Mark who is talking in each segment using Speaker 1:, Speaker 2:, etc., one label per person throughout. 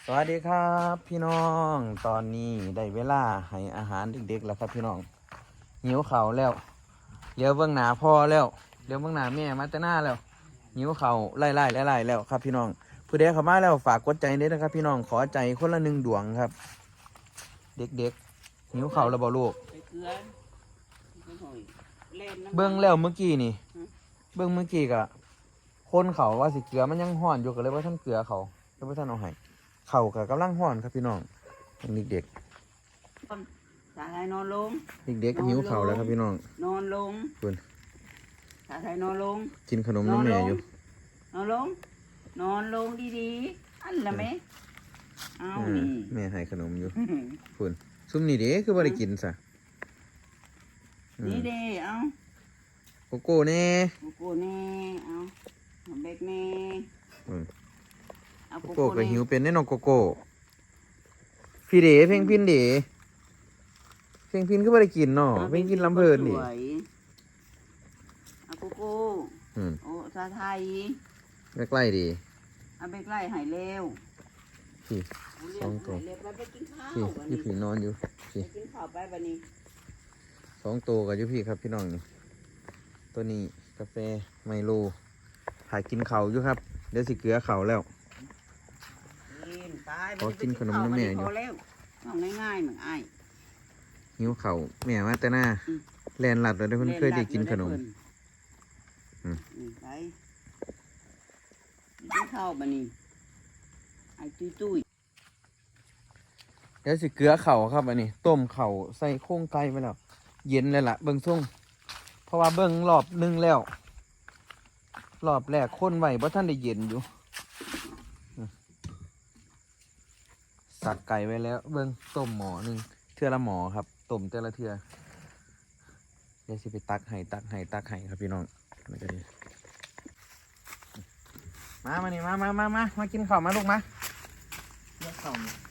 Speaker 1: วัสดีครับพี่น้องตอนนี้ได้เวลาให้อาหารเด็กๆแล้วครับพี่น้องหิวเข่าวแล้วเลี้ยวเบื้องหน้าพ่อแล้วเลี้ยวเบื้องหน้าแม่มาแต่หน้าแล้วหิวเข่าวไล่แล้วครับพี่น้องผู้ใดเข้ามาแล้วฝากกดใจด้วยนะครับพี่น้องขอใจคนละ1 ดวงครับเด็กๆหิวเข่าวแล้วบ่ลูกเบื้องแล้วเมื่อกี้นี่เบื้องเมื่อกี้กะคนเขาว่าสิเกลือมันยังห่อนอยู่ก็เลยว่าท่านเกลือเขาเลยว่าท่านเอาให้เข่ากับกำลังห่อนครับพี่น้องเด็ก
Speaker 2: สาไทยนอนลง
Speaker 1: เด็กหิวเข่าแล้วครับพี่น้อง
Speaker 2: นอนลง
Speaker 1: คุณ
Speaker 2: สาไทยนอนลง
Speaker 1: กินขนมน้ำแม่อยู่
Speaker 2: นอนลงนอนลงดีๆอันละไหมเอา
Speaker 1: แม่ให้ขนมอยู่คุณซุ่มนี่เด้คือบ่ได้กินซะ
Speaker 2: นี่เด้เอา
Speaker 1: โกโก้แน่
Speaker 2: โกโก้แน่เอาเบ็กแน่
Speaker 1: โกโก้ก็หิวเป็นแน่นอนโกโก้พี่เด๋เพ่งพินเด๋เพ่งพินก็ไม่ได้กินเนาะเพ่งกินลำเพลินดิ
Speaker 2: เอาโกโก้โอ้ชาไทย
Speaker 1: ใกล้ดี
Speaker 2: เอาไปใกล้หายเร็ว
Speaker 1: พี่2 ตัวพี่อยู่พี่นอนอยู่พี่
Speaker 2: กินข้าวไปวันนี้
Speaker 1: 2 ตัวกับอยู่พี่ครับพี่น้องนี่ตัวนี้กาแฟไมโลถ่ายกินเข่าอยู่ครับเดี๋ยวสิเกลือเข่าแล้วขอกินขนมน้ำแม่อยู่
Speaker 2: ง่ายๆเหมือนไอ้
Speaker 1: หิวเข่าแม่มาแต่หน้าแลนหลัดเลยเพื่อนเคยได้กินขนม
Speaker 2: ไปกินข้าวบันนี้ไอ้ตุ้ย
Speaker 1: เดี๋ยวสิเกลือเข่าครับอันนี้ต้มเข่าใส่โค้งไก่ไปแล้วเย็นเลยล่ะเบิ้งส่งเพราะว่าเบิ้งรอบนึงแล้วรอบแรกคนไหวเพราะท่านได้เย็นอยู่สับไก่ไว้แล้วเบิ้งต้มหม้อนึงเทื่อละหม้อครับต้มแต่ละเทื่อเดี๋ยวสิไปตักให้ครับพี่น้องมานี่มากินข้าวมาลูกมาเลือกข้าวมา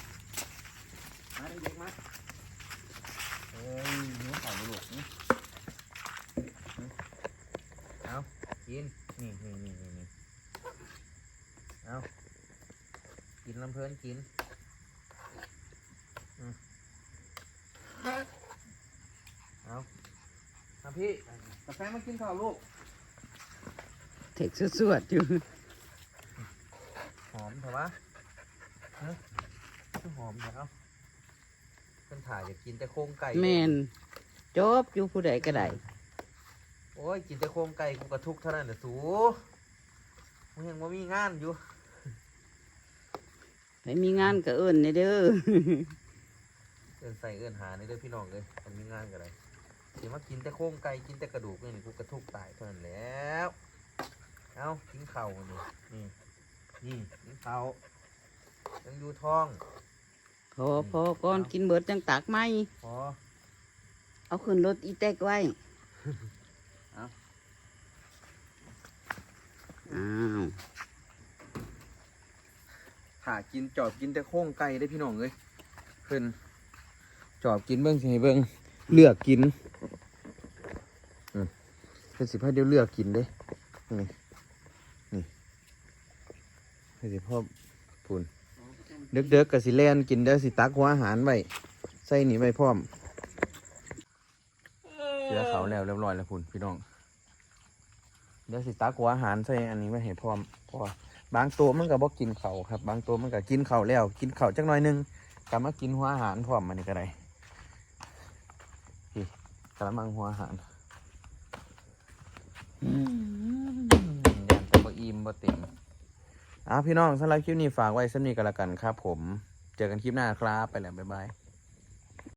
Speaker 1: เด็กๆมาเฮ้ยหิวข้าวลูกเอากินนี่เอากินลำเพลินกินเอาพี่กาแฟมากินข้าวลูก
Speaker 2: เท็กสวดอยู่
Speaker 1: หอมเถอะวะหอมเถอะเพิ่นถ่ายอยากกินแต่โครงไก่
Speaker 2: แมนจบอยู่ผู้ใดก็ได้
Speaker 1: โอ้ยกินแต่โครงไก่กูกระทุกเท่านั้นแหละสูมึงยังว่ามีงานอยู่
Speaker 2: ไม่มีงานก็เอิ้นในเด้อ
Speaker 1: เอิ้นใส่เอิ้นหาในเด้อพี่น้องเลยมันมีงานกันไรเดี๋ยวมากินแต่โครงไก่กินแต่กระดูกนี่กูกระทุกตายเท่านั้นแล้วเอากินเข่านี่กินเข่ายังอยู่ท้อง
Speaker 2: พอก่อนกินเบิดจังตักไหม
Speaker 1: พอ
Speaker 2: เอาขึ้นรถอีแตกไว้
Speaker 1: หากินจอบกินแต่โค้งไก่ได้พี่น้องเลยเพิ่นจอบกินเบิ้งสิให้เบิ้งเลือกกินเป็นสิพ่อเดี๋ยวเลือกกินเด้นี่เป็นสิพ่อพูนเด็กๆกับสิแลนกินเดี๋ยวสิตักหัวอาหารไว้ใส่หนีไว้พร้อมเดี๋ยวเขาแล้วเรียบร้อยแล้วพูนพี่น้องเดี๋ยวสิตักหัวอาหารใส่อันนี้ไว้ให้พร้อมพอบางตัวมันก็บอกกินเขาครับบางตัวมันก็กินเขาแล้วกินเขาจักหน่อยนึงกลับมากินหัวอาหารพร้อมมันนี่ก็ได้พี่กระมังหัวอาหารยันแต่บ่อิ่มบ่เต็มพี่น้องสำหรับคลิปนี้ฝากไว้สักนิดก็แล้วกันครับผมเจอกันคลิปหน้าครับไปแล้วบ๊ายบาย